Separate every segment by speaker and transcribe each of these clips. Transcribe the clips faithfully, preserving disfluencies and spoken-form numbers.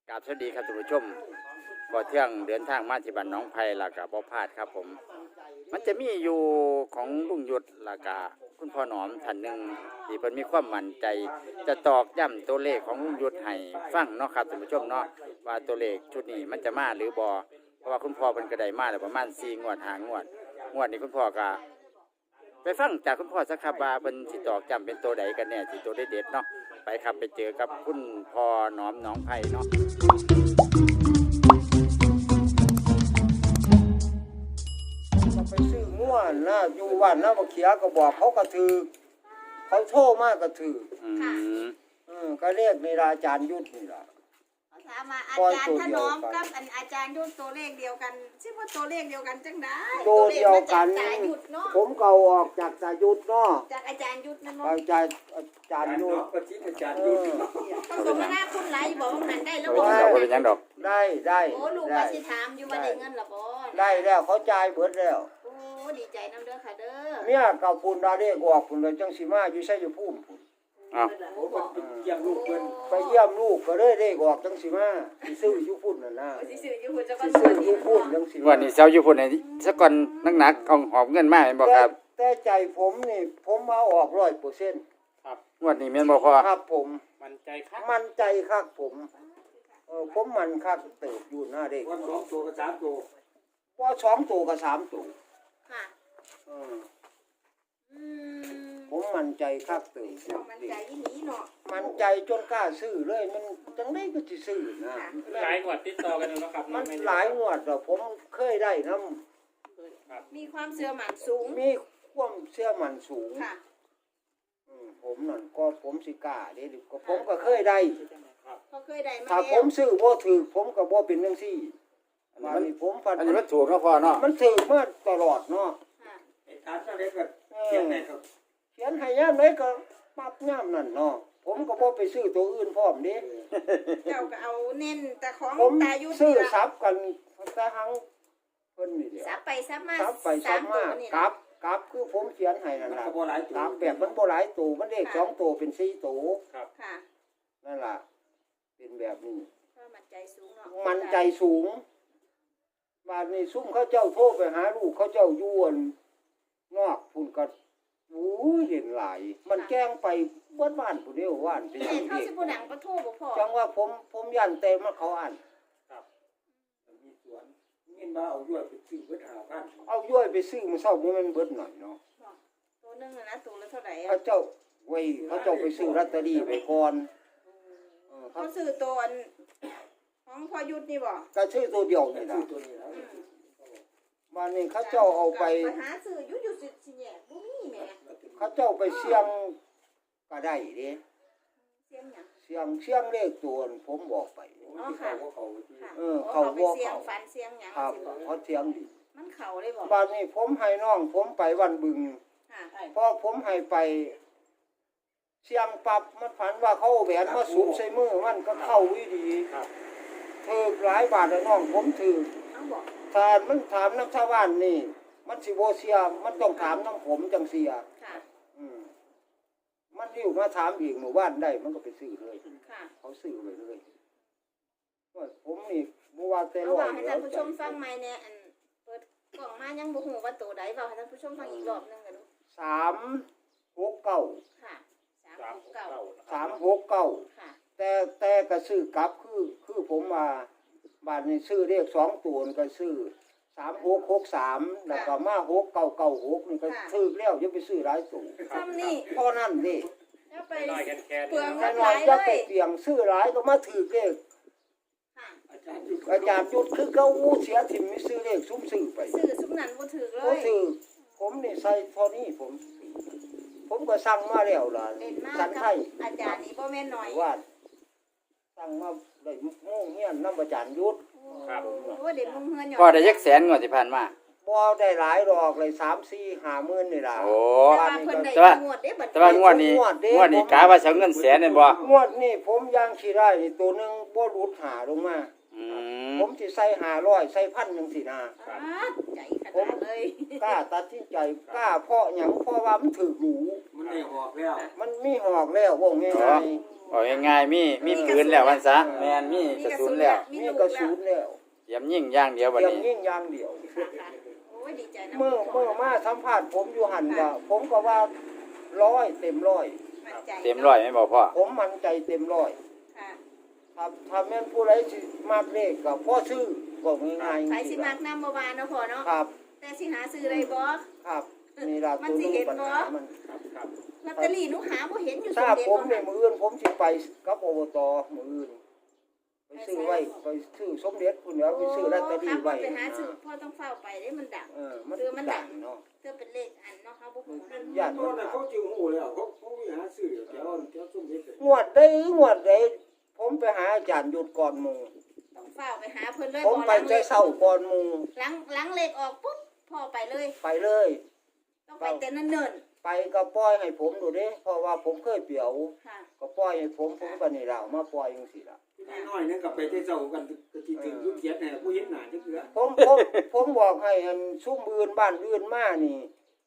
Speaker 1: กราบสวัสดีครับท่านผู้ชมบ่เที่ยงเดินทางมาที่บ้านหนองไผ่ล่ะก็บ่พลาดครับผมมันจะมีอยู่ของลุงยุทธล่ะก็คุณพ่อหนอมท่านหนึ่งที่เพิ่นมีความมั่นใจจะตอกย้ำตัวเลขของลุงยุทธให้ฟังเนาะครับท่านผู้ชมเนาะว่าตัวเลขชุดนี้มันจะมาหรือบ่เพราะว่าคุณพ่อเพิ่นก็ได้มาแล้วประมาณสี่งวดห้างวดงวดนี้คุณพ่อก็ไปฟังจากคุณพ่อสักครับว่าเพิ่นสิตอกย้ำเป็นตัวใดกันแน่สิตัวเด็ดๆเนาะไปครับไปเจอกับคุณพ่อหนอมหนองไผ่เนาะ
Speaker 2: ไปซื้อง่วนนะอยู่บ้านนะมาเขียก็บอกเขาก็ถือเขาโทรมากก็ถือ
Speaker 1: อืม
Speaker 2: อืมก็เรียกในราอาจารย์ยุทธนี่ล่ะ
Speaker 3: เขาถามว่าอาจารย์ถนอมกับอันอาจารย์ยุทธตัวเลขเดียวกันชื่อว่าตัวเลขเดียวกันจังได้
Speaker 2: ตัวเดียวกัน
Speaker 3: ตัวเลขมาจากตายุทธเนาะ
Speaker 2: ผมเก่าออกจากตายุทธเนาะ
Speaker 3: จากอาจารย์ยุทธนั่นเนาะ
Speaker 2: อาจารย์อาจารย์ยุทธ
Speaker 4: อาจารย์ยุทธ
Speaker 3: เขาสมนาคุณหลายบอกว่ามันได้แล้ว
Speaker 1: บ่
Speaker 3: บอก
Speaker 1: เป็นดอกบ่เป็นหยังดอก
Speaker 2: ได้ได้
Speaker 3: โอ้ลูกว่าสิถามอยู่ว่าได้เงินละบ่
Speaker 2: ได้แล้วเขาจ่ายเบิดแล้ว
Speaker 3: โอ้ดีใจนำเด้อค่ะเด้อ
Speaker 2: เนี่ยกับปุ่นดาเรียกออกปุ่นเลยจังสีมาอยู่ใส่อยู่พุ่มพุ่น
Speaker 1: อ้าว
Speaker 4: โอ้มันเป็นเยี่ยมลูกเพิ่น
Speaker 2: ไปเยี่ยมลูกก็เลยเรียกออกจังสีมาสิซื้ออยู่พุ่นน่ะนะ
Speaker 3: สิซื้ออยู่หุ่นจะก็
Speaker 2: สิซื้ออยู่พุ่นจังสี
Speaker 1: วันนี้เซาอยู่พุ่นให้สักก่อนหนักๆเอาหอบเงินมาแม่นบ่ครับ
Speaker 2: แต่ใจผมนี่ผมเอาออกร้อยเปอร์เซ็นต์
Speaker 1: งวดนี้แม่นบ่พอ
Speaker 2: ครับผม
Speaker 4: มันใจคัก
Speaker 2: มั่นใจครับผมเออผมมันครับเติบอยู่หน้าเด็ก
Speaker 4: วันสองตัวกับสามตัว
Speaker 2: ว่าสองตัวกับสามตัว
Speaker 3: ค่ะ
Speaker 2: เออ
Speaker 3: อืม
Speaker 2: ผมมั่นใจครับเติบ
Speaker 3: มันใจอีหลีเนาะ
Speaker 2: มั่นใจจนกล้าซื้อเลยมันจังได้ก็สิซื้อนะ
Speaker 4: หลายงวดติดต่อกันแล้วครับ
Speaker 2: มันหลายงวดแล้วผมเคยได้นํ
Speaker 3: มีความเชื่อมั่นสูง
Speaker 2: มีความเชื่อมั่นสูง
Speaker 3: ค่ะ
Speaker 2: อืมผมนั่นก็ผมสิกล้าเด้ก็ผมก็เคยได้
Speaker 3: เขาเคยได้มา
Speaker 2: ถ้าผ
Speaker 3: แล้ว
Speaker 2: มซื้อบ่ถูกผมก็บ่เป็นจังซี่อันนี้ผมฟัน
Speaker 1: อันนี้มันถูกเนาะพ่อเนาะ
Speaker 2: มันถูกมาตลอดเนาะ
Speaker 3: ค่ะ
Speaker 4: ไอ้ทานเท่าไรก็
Speaker 2: เอ
Speaker 4: เขียน
Speaker 2: อ
Speaker 4: ได้ครับ
Speaker 2: เขียนให้ยามไหนก็ปรับยามนั่นเนาะผมก็บ่ไปซื้อตัวอื่นพร้อมเด้
Speaker 3: เจ้าก็เอาเน้นแต่ของ
Speaker 2: ผม
Speaker 3: ตายุทธ
Speaker 2: ซื้อ
Speaker 3: นี่ล่ะ
Speaker 2: ซับกันแต่หังเพิ่นนี่เดียว
Speaker 3: ซับไปซับมา
Speaker 2: ซับไป
Speaker 3: สา
Speaker 2: ซับ
Speaker 3: มตั
Speaker 2: มาว
Speaker 3: นี่
Speaker 2: กลับกลับคือผมเขียนให้นั่น
Speaker 4: มัน
Speaker 2: ล่ะ
Speaker 4: ก็บ่หลายตัว
Speaker 2: กลับแบบมันบ่หลายตัวมันเลขสองตัวเป็นสี่ตัว
Speaker 3: ค่ะ
Speaker 2: นั่นล่ะเป็นแบบนี้
Speaker 3: ก็มั่นใจสูงเนาะ
Speaker 2: มันใจสูงบาดนี้ซุ่มเขาเจ้าโทรไปหาลูกเขาเจ้าอยู่อั่นนอกพุ่นก็โอ้ยเห็นหลาย มันแกล้งไปเบิดบ้านผู้เดียวว่านเป็น
Speaker 3: แม่
Speaker 2: อย่าง
Speaker 3: เข้า
Speaker 2: เด็
Speaker 3: สิ
Speaker 2: ก
Speaker 3: บ่ดังก็โทรบ่พอ
Speaker 2: จังว่าผมผมยันเต็มมาเขาอ่าน
Speaker 4: มีสวนเงินมาเอาด้วยไปซื้อเบิดหาพัน
Speaker 2: เอาย่อยไปซื้อมาเศร้ามันเบิดหน่อยเนาะ
Speaker 3: ตัวหนึงอะนะตัวละเท่าไหร่
Speaker 2: เขา
Speaker 3: อ่ะ
Speaker 2: เจ้าไว้เขาเจ้าไปซื้อลอตเตอรี่ไปก่อนเออเขา
Speaker 3: เขาซื้อตัวอันของพอยุทธนี่บ่
Speaker 2: ก็ซื้อตัวเดียวนี่
Speaker 4: ซื้
Speaker 2: ล่ะ
Speaker 4: อตัวนี้แล้ว
Speaker 2: บ้านนี้เขาเจ้าเอาไป
Speaker 3: ไปหาซื้ออยู่อยู่สิสิแยกบ่มีแหม่
Speaker 2: เขาเจ้าไปเสี่ยงก็ได้เด้
Speaker 3: เสียงหยัง
Speaker 2: เสี่ยงเสี่ยงเลขตัวนั้นผมบอกไป
Speaker 3: อ๋อค่ะ
Speaker 4: เขาที่
Speaker 3: ค่ะ
Speaker 2: เออ
Speaker 3: โ
Speaker 2: เขาบ่
Speaker 3: ไปเสียง
Speaker 2: เขา
Speaker 3: ฟันเสียงหยัง
Speaker 2: ครับ
Speaker 3: สิบ่
Speaker 2: เขาเสี่ยงดี
Speaker 3: มันเข้าเลยบ่
Speaker 2: บ้านนี้ผมให้น้องผมไปวันบึง
Speaker 3: ค่ะ
Speaker 2: พอผมให้ไปเสียงปรับมันฝันว่าเขาเอาแหวนมาสูบใส่มือมันก็เข้าวิดีถือหลายบาทเลยน้องผมถือ
Speaker 3: เอาบ่
Speaker 2: ถ้ามันถามน้ำชาวบ้านนี่ มันสิโบเสียมันต้องถามน้ำผมจังเสีย
Speaker 3: ค่ะ
Speaker 2: อืมมันริ้วมาถามอีกหมู่บ้านได้มันก็ไปซื้อเลย
Speaker 3: ค่ะ
Speaker 2: เขาซื้อไปเลยว่าผมนี่บ่ว่าแต่
Speaker 3: เอา
Speaker 2: ร้อ
Speaker 3: ว่าย ให้
Speaker 2: แล้
Speaker 3: ท่า
Speaker 2: วน
Speaker 3: ผู้ชมฟังใหม่แน่อันเปิดกล่องมายังบ่ฮู้ว่าตัวใดเว้าให้ท่านผู้ชมฟังอีกรอบหนึงกันดู
Speaker 2: สามหกเก้า
Speaker 3: ค่ะสามหกเก้า
Speaker 2: สามหกเก้า
Speaker 3: ค่ะ
Speaker 2: แต่แต่ก็ซื้อกลับคือคือผมว่าบ้านนี้ซื้อเลขสองตัวนี่ก็ซื้อสามหกหกสามแล้วก็มาหกเก้าเก้าหกนี่ก็ซื้อแล้วอย่าไปซื้อหลายตัว
Speaker 3: ซ้ำนี่
Speaker 2: เพราะนั่นดิ
Speaker 3: แล้วไป
Speaker 4: น้อยแค่แค่
Speaker 3: เปลือง
Speaker 2: แต่
Speaker 3: เงินห
Speaker 2: น้อ
Speaker 3: ลาย ย
Speaker 2: จะ
Speaker 3: เล
Speaker 2: ไป
Speaker 3: ย
Speaker 2: เสี่ยงซื้อหลายก็มาถือเลข
Speaker 3: ค่ะ
Speaker 4: อาจารย์ยุทธ
Speaker 2: อาจารย์ยุดคือเขาอู้เสียถิ่มไม่ซื้อเลขซุ่มซื้อไป
Speaker 3: ซื้อซุมนั้นบ่ถูกเล
Speaker 2: เขา
Speaker 3: ย
Speaker 2: ซื้อผมนี่ใส่เท่านี้ผม ผมก็สั่งมาแล้วล่ะ
Speaker 3: เล่นมา
Speaker 2: สัน
Speaker 3: กั
Speaker 2: ไท
Speaker 3: บ
Speaker 2: ย
Speaker 3: อาจารย์นี่บ่แม่นน้อย
Speaker 2: ว่าสั่งมาได้โม่งเงี้ยนน้ำอาจารย์ยุด
Speaker 4: ครับ
Speaker 3: โอ้เด็กมุงเฮือนอยู่
Speaker 1: พ่อได้ยักแสนงวดที่ผ่านมา
Speaker 2: บ่ได้หลายดอกเลยสามสี่ห้าหมื่นนี่ล่ะ
Speaker 1: โอ้
Speaker 3: แต่ว่าเพิ่นได้
Speaker 1: แต่ว่า
Speaker 3: งวดเด้บัด
Speaker 1: แต่ว่างวดนี้งวดนี้กะว่าสิเอาเงินแสนนั่นบ่
Speaker 2: งวดนี่ผมยังขี้ได้นี่ตัวหนึงบ่หลุดหาลงมา
Speaker 1: อือืม
Speaker 2: ผมสิใส่ห้าร้อยใส่พันจังซี่นะ
Speaker 3: อ้าใจขนาดเลย
Speaker 2: กล้าตัดสินใจกล้าเพราะหยังเพราะว่ามันถูกหรู
Speaker 4: มันได้ออกแล้ว
Speaker 2: มันมีหอกแล้วว่าง่าย
Speaker 1: เอาง่ายๆมีมีปืนแล้ววันซะแม่นมีกระสุนแล้ว
Speaker 2: ๆมีกระสุนแล้ว
Speaker 1: เตรียมยิงอย่างเดียวบัด
Speaker 2: เตรียม
Speaker 1: นี้
Speaker 2: ยิงอย่างเดียว
Speaker 3: ค่ะค่ะโอ้ยดีใจนะ
Speaker 2: เมื่อเมื่อมาสัมภาษณ์ผมอยู่หันก็ผมก็ว่าร้อยเต็มร้อย
Speaker 3: มั่นใจ
Speaker 1: เต็มร้อยไหม่บอกพ่อ
Speaker 2: ผมมั่นใจเต็มร้อย
Speaker 3: ค่ะ
Speaker 2: ถ้าถ้าแม่นผู้ใดสิมากเลขก็พ่อซื้อบอกง่ายๆ
Speaker 3: ใครสิมักน้ำบ่วานเนาะพ่อเนาะ
Speaker 2: ครับ
Speaker 3: แต่สิหาซื้อได้บ่
Speaker 2: ครับนี่ล่ะ
Speaker 3: มั
Speaker 2: ตั
Speaker 3: น
Speaker 2: ว
Speaker 3: สิ
Speaker 2: นี้
Speaker 3: เห็น
Speaker 2: ปัญ
Speaker 3: บ่
Speaker 2: หามัน
Speaker 4: ครับครับ
Speaker 3: ลอตเตอรี่หนูหาบ่เห็นอยู่ส
Speaker 2: ถ้าม
Speaker 3: เด็จ
Speaker 2: ผม
Speaker 3: บ่
Speaker 2: เนี่ย
Speaker 3: ค่ะ
Speaker 2: มื้ออื่นผมสิไปกับอบตมื้ออื่นไปซื้อไว้ไปซื้อสมเด็จพุ่นแล้วไปซื้อลอตเตอรี่ไว้
Speaker 3: โอ้ครับพ่อไปหาซื้อพ่อต้องเฝ้าไปได้มันดัง
Speaker 2: เออมัน
Speaker 3: คือมันดั
Speaker 2: ดั
Speaker 3: ง
Speaker 2: งเนาะ
Speaker 3: เพื่อเป็นเลขอันเนาะเฮาบ่ฮู้นำ
Speaker 2: ญาติ
Speaker 4: ตอนนั้นเขาจึงหูแล้วเขาเขาไปหาซื้อแถวแถวส้มเด็ดเลย
Speaker 2: งวดได้งวดได้ผมไปหาอาจารย์หยุดก่อนหมู่
Speaker 3: ต้องเฝ้าไปหาเพิ่นเลย
Speaker 2: ผมไป
Speaker 3: หลัง
Speaker 2: แต่เช้าก่อนหมู่
Speaker 3: หลังหลังเลขออกปุ๊บพ่อไปเลย
Speaker 2: ไปเลย
Speaker 3: ต้องไปแต่เนิ่น
Speaker 2: ไปก็ปล่อยให้ผมดูเด้เพราะว่าผมเคยเปียว
Speaker 3: ๆค่ะ
Speaker 2: ก็ปล่อยให้ผมผมก็นี่ล่ะเอามาปล่อยจังซี่ล่ะ
Speaker 4: น้อยๆนั่นก็ไปที่เจ้ากันก็ที่ถึงยุคเขียนเนี่ยผู้เห็นหน้าจักเทื่อ
Speaker 2: ผมผมผมบอกให้อันซุ่มอื่นบ้านอื่นมานี่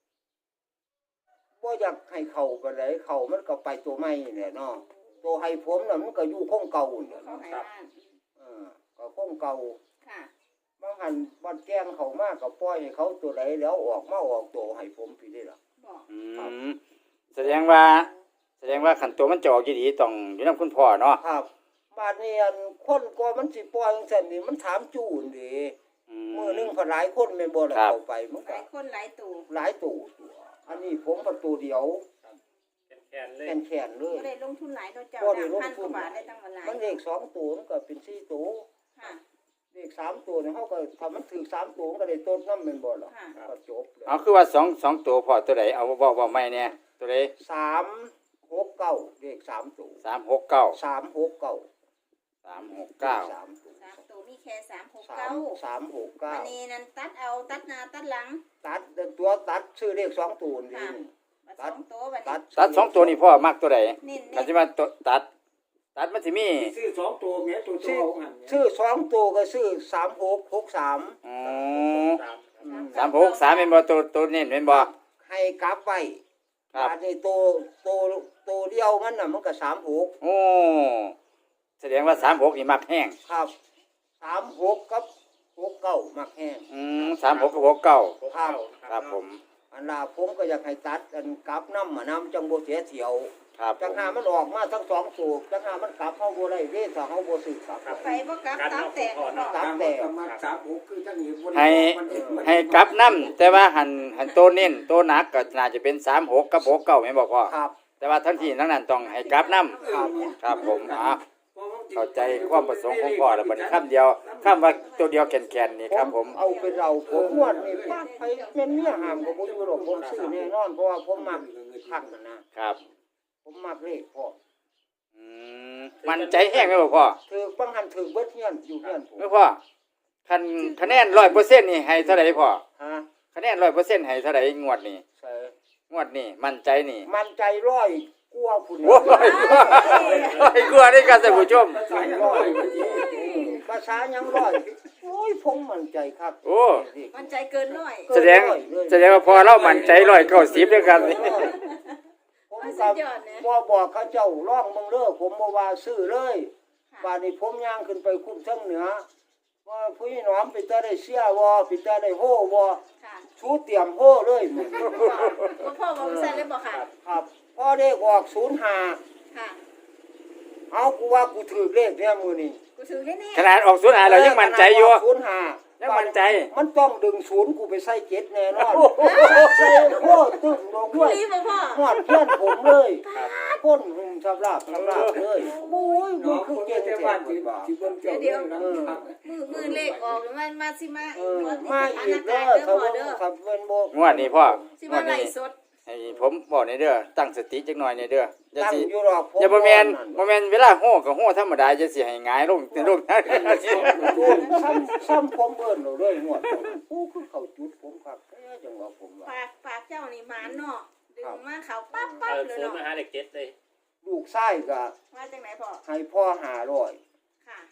Speaker 2: บ่อยากให้เข้าปานใดเข้ามันก็ไปตัวใหม่นี่แหละเนาะตัวให้ผมน่ะมันก็อยู่คงเก่านี่แหละ
Speaker 3: เขา
Speaker 2: เนาะ
Speaker 3: ให้บ้าน
Speaker 2: เออก็คงเก่า
Speaker 3: ค่ะ
Speaker 2: บางหันบ้านแกล้งเขามาก็ปล่อยให้เขาตัวใดแล้วออกมาออกตัวให้ผมพี่ได้ล่ะ
Speaker 3: บอก
Speaker 1: อืมแสดงว่า แสดงว่าขันตัวมันจะออกดีๆต้องอยู่นํคุณพ่อเนาะ
Speaker 2: ครับบ้านนี้อันคนก็มันสิปล่อยจังซั่นนี่มันถามจูนเด้
Speaker 1: อื
Speaker 2: มื้อหนึงพอหลายคนแม่นบ่ล่ะ
Speaker 1: ครับ
Speaker 2: เข้าไปมัน
Speaker 3: ห
Speaker 2: ก็
Speaker 3: ลายคนหลายตู่
Speaker 2: หลายตัวตัวอันนี้ผมก็ตัวเดียว
Speaker 5: แขนเลย
Speaker 2: แขนๆเลย
Speaker 3: บ่ได้ลงทุนหลายเนาะเจ้า
Speaker 2: บ่ได้ลง
Speaker 3: พัน
Speaker 2: ทุ
Speaker 3: กว่าน บาทได้ตั้งมาหลาย
Speaker 2: มันเลขสองตัวมันก็เป็นสี่ตัว
Speaker 3: ค่ะ
Speaker 2: เลขสามตัวเนี่ยเขาก็ถ้ามันถือสามตัวมันก็ได้ต้นน้ำเป็นบ่หรอก
Speaker 3: ค่ะ
Speaker 2: ก็จบเลย
Speaker 1: เอาคือว่าสองสองตัวพ่อตัวใดเอาบ่บ่ไม่เนี่ยตัวใด
Speaker 2: สามหกเก้าเลขสามตัว
Speaker 1: สามหกเก้า
Speaker 2: สามหกเก้า
Speaker 1: สามหกเก้า
Speaker 2: สามตัว
Speaker 3: สามตัวมีแค่สามหก
Speaker 2: สา
Speaker 3: เก้าม
Speaker 2: สามหกเก้า
Speaker 3: อันนี้นั่นตัดเอาตัดหน้าตัดหลัง
Speaker 2: ตัดตัวตัดชื่อเลขสองตัวนี่
Speaker 3: ค่ะ บัดสองตัวบัด
Speaker 2: ตั
Speaker 3: นี้
Speaker 2: ด
Speaker 1: ตัดสองตัวนี่พ่อมักตัวใด
Speaker 3: เน้น
Speaker 1: คัน
Speaker 3: เน้น
Speaker 1: สิว่าตัวตัด ตัดมันสิมี
Speaker 4: ซื้อสองตัวแม่ตัวตัวเอาหันเนี่ย
Speaker 2: ชื่อสองตัวก็ชื่อสามหกหกสาม
Speaker 1: อ๋อ
Speaker 5: สาม
Speaker 1: สามหกสามเป็นบ่ตัวตัวเน้นเป็นบ่
Speaker 2: ให้กลับไป
Speaker 1: ครับ
Speaker 2: อันนี้ตัวตัวตัวเดียวมันน่ะมันก็สามหก
Speaker 1: โอ้แสดงว่าสามหกนี่มักแห้ง
Speaker 2: ครับสามหกกับหกเก้ามักแห้ง
Speaker 1: อืมสามหกกับหกเก้า
Speaker 5: หกเก้า
Speaker 1: ครับผม
Speaker 2: อันลาผมก็อยากให้ตัดอันกลับน้ำมาน้ำจังโบเสียเที่ยว
Speaker 1: ครับผ
Speaker 2: จัง
Speaker 1: ม
Speaker 2: หามันออกมาทั้งสองสูบจังหามันกลับเข้าโบได้เด้ถ้าเขาโบสืบกลับ
Speaker 3: ไปบ่กลับตับแตกบ่
Speaker 2: ตับ
Speaker 4: ตาม
Speaker 2: แตก
Speaker 4: ตามมาสามหกคือทั้งนี้บ่ได้
Speaker 1: ให้
Speaker 4: มันเองมัน
Speaker 1: ให้กลับน้ำแต่ว่าหันหันตัวเน้นตัวหนักก็น่าจะเป็นสามหกกับหกเก้าแม่นบ่พ่อ
Speaker 2: ครับ
Speaker 1: แต่ว่าทั้งที่ทั้งนั้นต้องให้กลับน้ำ
Speaker 2: ครับ
Speaker 1: ครับผมอ่ะเข้าใจความประสงค์ของพ่อแล้วบัดนี้คำเดียวคำว่าตัวเดียวแก่นๆนี่ครับผม
Speaker 2: เอาเป็นเราผมงวดนี่ปากไปแม่นเมียหามกับผมอยู่หรอกผมซื้อแน่นอนเพราะว่าผมมักคักนะนะครับ ผมมักเลขพ่อ
Speaker 1: อืมมันใจแห้งไหมบ่พ่อ
Speaker 2: ถือบังหันถือเบิดเฮียนอยู่เฮียนผม
Speaker 1: เมื่อพ่อคันคะแนนร้อยเปอร์เซ็นต์นี่ให้เท่าไหร่พ่อ
Speaker 2: ฮะ
Speaker 1: คะแนนร้อยเปอร์เซ็นต์ให้เท่าไหร่งวดนี้
Speaker 2: ใส่
Speaker 1: งวดนี้มั่นใจนี่
Speaker 2: มันใจร้อยกลัวพุ่น
Speaker 1: โอ้ยร้อยกว่าได้ครับท่านผู้ชม
Speaker 4: ใส่ร้อยวันนี้
Speaker 2: ภาษายังร้อยโอ้ยผมมั่นใจครับ
Speaker 1: โอ้
Speaker 3: มันใจเกินร้อย
Speaker 1: แสดงแสดงว่าพอเรามั่นใจร้อยเก้าสิบด้วยกันนี่
Speaker 2: ผม
Speaker 3: มัน
Speaker 2: กั
Speaker 3: สุ
Speaker 2: บ
Speaker 3: ดยอดนะ
Speaker 2: บ่บอกเขาเจ้าร้องมึงเด้อผมบ่ว่าซื้อเลยป่านนี้ผมย่างขึ้นไปคุ้มทั้งเหนือว่าผู้หนอมไปตาได้เสียบ่ไปตาได้โหบ่
Speaker 3: ค่ะ
Speaker 2: ชูเตรียมโหเลยมึง
Speaker 3: พ่อพ่อบอกว่าใส่เลยบ่ค่ะ
Speaker 2: ครับพอเลขออกศูนย์ห้า
Speaker 3: ค่ะ
Speaker 2: เอากูว่ากูถือเลขเนี่ยมื้อนี้
Speaker 3: กูถือแน่
Speaker 1: ขนาดออกศูนย์หาเรายังมั่นใจอยู่
Speaker 2: ศูนย์ห้า
Speaker 1: ยังมั่นใจ
Speaker 2: มันต้องดึงศูนย์กูไปใส่เจ็ดแน่นอนใส่โหตึ้งลง
Speaker 3: ๆกู
Speaker 2: ด้วย
Speaker 3: รีบบ่พ่อ
Speaker 2: หอดเพื่อนผมเลยพ่นหุ่มสำราบสำราบเลยโอ้ยมึ
Speaker 4: น้
Speaker 2: ง
Speaker 4: อง
Speaker 2: คือ
Speaker 4: คน
Speaker 2: เก่ง
Speaker 4: แต่
Speaker 2: แท้
Speaker 4: บ้าน
Speaker 2: มึ
Speaker 4: ที่
Speaker 2: งบ่า
Speaker 4: ที่เบิ่งเจ้าเรื่องนั้นครับ
Speaker 3: มือมือเลขออกแล้วมันมาสิมา
Speaker 2: เออมาอีกเด้อ
Speaker 3: เด้อ
Speaker 2: ถ้า
Speaker 3: พ่อ
Speaker 2: ว่า
Speaker 3: เด้อ
Speaker 2: ถ้าเป็นบ่
Speaker 1: งวดนี้พ่อง
Speaker 3: สิ
Speaker 1: ง
Speaker 3: มาว
Speaker 1: ด
Speaker 3: ไล่
Speaker 1: นี้
Speaker 3: สด
Speaker 1: ให้ผมบอกในอยเด้อตั้งสติจักหน่อยในอยเด้ออย่า
Speaker 2: ตั้ง
Speaker 1: สิ
Speaker 2: อยู่หรอกผม
Speaker 1: อย่าบ่แม่น
Speaker 2: นั่น
Speaker 1: บ่แม่นเวลาโห่ก็โห่ธรรมดาจะสิให้หงายลงเป็นลง
Speaker 2: โอ้ยซ้ำซ้ำผมเอิ้นเราเลยงวดโอ้คือเขาจุดผมครับแค่จังว่าผมว่า
Speaker 3: ปากปากเจ้านี่หมานเนาะดึงมาเขาปั๊บปั๊บ
Speaker 5: เอา
Speaker 3: เลย
Speaker 5: ศูนย์
Speaker 3: เนาะ
Speaker 5: มาหาเด็กเจ็ดเลย
Speaker 2: ลูกชายก็
Speaker 3: ว่าจังไหนพ่อ
Speaker 2: ให้พ่อห้าร้อย
Speaker 3: ค่ะเพิ่น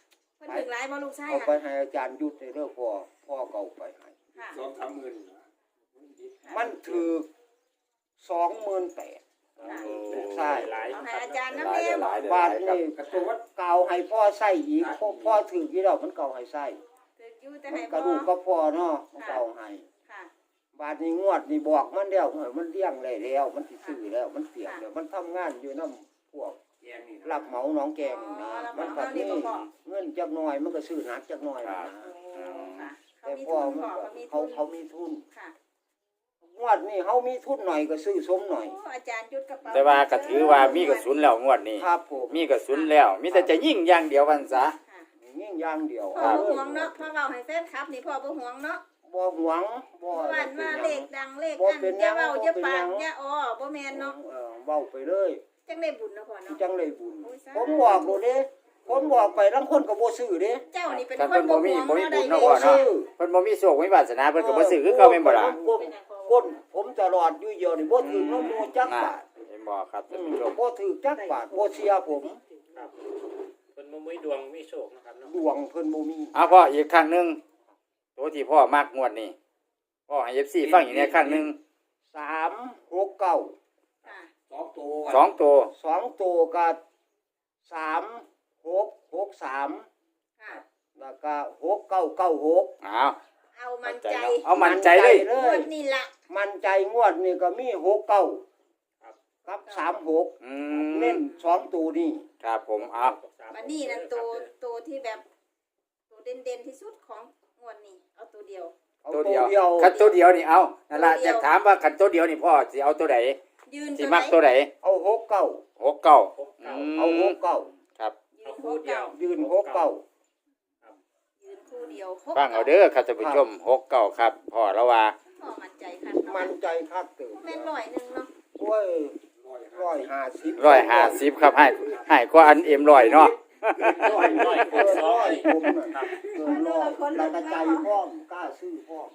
Speaker 3: ถึงหลายบ่ลูกชาย
Speaker 2: เอาไป
Speaker 3: ค่ะ
Speaker 2: ให้อาจารย์ยุทธในเรื่องพ่อพ่อเก่าไปให้
Speaker 3: ค่ะ
Speaker 4: สองสามหมื่นนะ
Speaker 2: มันถือสองหมื่นแปด ใช่
Speaker 5: หลาย
Speaker 3: เอาให้อาจารย์
Speaker 1: ห
Speaker 3: น้ำ
Speaker 1: ลาย
Speaker 3: เลี้
Speaker 1: เด้
Speaker 3: ย
Speaker 1: อหลายเด้อห
Speaker 2: บา
Speaker 1: ลา
Speaker 2: ท
Speaker 1: ยครับ
Speaker 2: นี่
Speaker 4: กระตัววัด
Speaker 2: เก่าให้พ่อใส่อีกพ่อพ่อถือกี่ดอกมันเก่าให้ใส่
Speaker 3: ถืออยู่แต่
Speaker 2: มัน
Speaker 3: ให้
Speaker 2: กระ
Speaker 3: บ่
Speaker 2: ดูกก็พ่อเนาะมันเก่าให้
Speaker 3: ค่ะ
Speaker 2: บาทนี้งวดนี่บอกมันแล้วเฮ้ยมันเลี้ยงได้แล้ว มันสิซื้อแล้วมันเตรียมแล้วมันทำงานอยู่นำพวก
Speaker 4: แกงนี่
Speaker 2: รับเหมาหนองแกงนี่นะมันก็มีเงินจักหน่อยมันก็ซื้อหนักจักหน่อยนะ
Speaker 3: โอ้ค่ะเขา
Speaker 2: แต่
Speaker 3: มี
Speaker 2: พ่อ
Speaker 3: ทุน
Speaker 2: มัน
Speaker 3: พ่อ
Speaker 2: ก็
Speaker 3: เขามี
Speaker 2: เขา
Speaker 3: ทุน
Speaker 2: เขามีทุน
Speaker 3: ค่ะ
Speaker 2: งวดนี้เขามีทุนหน่อยก็ซื้อสมหน่อย
Speaker 3: โอ้อาจารย์ยุดกระเป๋า
Speaker 1: แต่ว่าก็ถือว่ามีกระสุนแล้วงวดนี้
Speaker 2: ครับผม
Speaker 1: มีกระสุนแล้ว มีแต่จะยิงอย่างเดียววันซะ
Speaker 3: ค่ะ
Speaker 2: ยิ่งอย่างเดียว
Speaker 3: พ่อบ่ห่วงเนาะพ่อเว้าให้แฟนคลับนี่พ่อบ่ห่วงเนาะ
Speaker 2: บ่หวงบ่
Speaker 3: เพราะว่ามาเลขดังเลข
Speaker 2: บ่
Speaker 3: อัน
Speaker 2: เป็นห
Speaker 3: อ
Speaker 2: ยั
Speaker 3: ย่าง เว้าอย่าปาก
Speaker 2: บ่เป็นหยัง
Speaker 3: อย่าอ้อบ่แม่นเนาะ
Speaker 2: เออเว้าไปเลย
Speaker 3: จังได้บุญเนาะพ่อเนาะ
Speaker 2: จังเลยบุญ
Speaker 3: โอ้ยสาธุ
Speaker 2: ผมบอกโลดเด้ผมบอกไปทั้งคนก็บ่ซื้อเด้
Speaker 3: เจ้านี่เป็น
Speaker 1: ท่าน
Speaker 3: ค
Speaker 1: เพิ่
Speaker 3: น
Speaker 1: น
Speaker 3: บ่
Speaker 1: บ่มี
Speaker 3: ห่วง
Speaker 1: บ่มี
Speaker 3: เนาะ
Speaker 1: บุญ
Speaker 3: ได้
Speaker 1: เนาะ
Speaker 3: เล
Speaker 1: พ่อ
Speaker 3: ข
Speaker 1: เนาะเพิ่นบ่มีโชคบ่มีวาสนาเพิ่นก็บ่ซื้อคือเก่าแม่นบ่ล่ะ
Speaker 2: ก้นก้นผมตลอดอยู่เดียวนี่บ่ถือน้ำมูจัก
Speaker 1: น่ะ
Speaker 2: บาท
Speaker 1: เห็นบ่ครับ
Speaker 2: อื
Speaker 1: ท่าน
Speaker 2: ม
Speaker 1: ผู้ชม
Speaker 2: บ่ถือจักบาทบ่เสียผม
Speaker 5: ครับคนบ่มีดวงมีโชคนะครับเนาะ
Speaker 2: ดวงเพิ่นบ่มี
Speaker 1: เอาพ่ออีกครั้งหนึงตัวที่พ่อมักงวดนี้พ่อให้ เอฟ ซี ฟังอีกเนี่ยครั้งหนึง
Speaker 2: สามหกเก้า
Speaker 3: ค่ะ
Speaker 4: สองตัว
Speaker 1: สองตัว
Speaker 2: สองตัวก็สามหกหกสาม
Speaker 3: ค่ะ
Speaker 2: แล้วก็หกเก้าเก้าหก
Speaker 1: เอา
Speaker 3: เอามันใจ
Speaker 1: เอามั่นใจเลย
Speaker 2: เล
Speaker 3: งวย ดนี่ล่ะ
Speaker 2: มันใจงวดนี่ก็มีหกเก้าครับสามหก
Speaker 1: อื
Speaker 2: เน้
Speaker 1: ม
Speaker 2: นสองตัวนี่
Speaker 1: ครับผมเอา
Speaker 3: วันนี้นั่นตัวตัวที่แบบตัวเด่นๆที่สุดของงวดนี้เอาตัวเดียว
Speaker 2: เอา
Speaker 1: ตัว
Speaker 2: ตัว
Speaker 1: เดียว
Speaker 2: เดียว
Speaker 1: คันตัวเดียวนี่เอานั่นล่ะ
Speaker 3: ตัวเดี
Speaker 1: จะ
Speaker 3: ยว
Speaker 1: ถามว่าคันตัวเดียวนี่พ่อสิเอาตัวใด
Speaker 3: ยืน
Speaker 1: สิ
Speaker 3: ตัว
Speaker 1: มัก
Speaker 3: ไหน
Speaker 1: ตัวใด
Speaker 2: เอาหกเก้า
Speaker 1: หกเก้า
Speaker 5: หกเก้า
Speaker 2: เอาหกเก้า
Speaker 1: ครับ
Speaker 3: ยื
Speaker 5: เอา
Speaker 3: น
Speaker 5: คู่
Speaker 3: คู่
Speaker 5: เดี
Speaker 3: เดี
Speaker 5: ย
Speaker 3: ยว ว
Speaker 2: ยืนหกเก้า
Speaker 3: ยืนคู่เดียวหก
Speaker 1: ฟังเอาเด้อครับท่านผู้ชมหกเก้าครับพ่อแล้วว่า
Speaker 3: พ่อมั่นใจค่ะ
Speaker 2: มันใจคักเติม
Speaker 3: แม่นร้อยหนึงเนาะ
Speaker 2: โอ้ยร้อยห้าสิบ
Speaker 1: ร้อยห้าสิบครับให้ให้กว่าอันเอ็มร้อยเนาะ
Speaker 5: ร้อยร้อย
Speaker 2: เกิน
Speaker 5: สอ
Speaker 2: ร้
Speaker 5: ง
Speaker 2: อยผมน่ะเกินร้อยแล้วก็ใจพร้อมกล้าซื้อพร้อม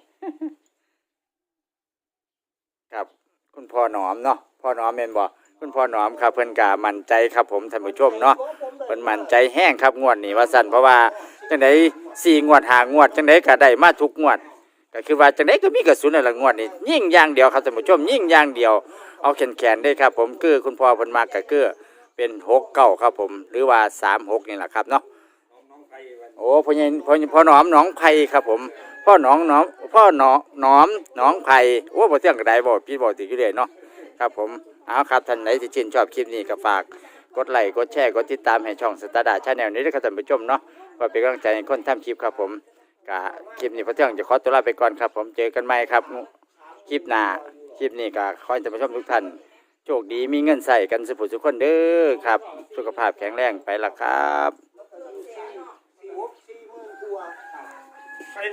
Speaker 1: ครับคุณพ่อหนอมเนาะพ่อหนอมแม่นบ่คุณพ่อหนอมครับเพิ่นก็มั่นใจครับผมท่านผู้ชมเนาะเพิ่นมั่นใจแห้งครับงวดนี้ว่าซั่นเพราะว่าจังได๋สี่งวดห้างวดจังได๋ก็ได้มาทุกงวดก็คือว่าจังได๋ก็มีกระสุนนั่นล่ะงวดนี้ยิ่งอย่างเดียวครับท่านผู้ชมยิ่งอย่างเดียวเอาแขนๆได้ครับผมคือคุณพ่อเพิ่นมักก็คือเป็นหกเก้าครับผมหรือว่าสามหกนี่แหละครับเนาะ
Speaker 4: น้องน้องไผ่วัน
Speaker 1: โอ้พ่อใหญ่พ่อพ่อหนอมหนองไผ่ครับผมพ่อหนองหนอมพ่อหนอหนอมหนองไผ่โอ้บ่เที่ยงก็ได้บ่พี่บ่ติอยู่เลยเนาะครับผมเอาครับท่านไหนที่ชื่นชอบคลิปนี้ก็ฝากกดไลค์กดแชร์กดติดตามให้ช่องสตาร์ดาชาแนลนี้ด้วยครับท่านผู้ชมเนาะเพื่อเป็นกำลังใจให้คนทำคลิปครับผมก็คลิปนี้พ่อเที่ยงจะขอตัวลาไปก่อนครับผมเจอกันใหม่ครับคลิปหน้าคลิปนี้ก็ขอให้ท่านผู้ชมทุกท่านโชคดีมีเงินใส่กันสุขสุขคนเด้อครับสุขภาพแข็งแรงไปละครับ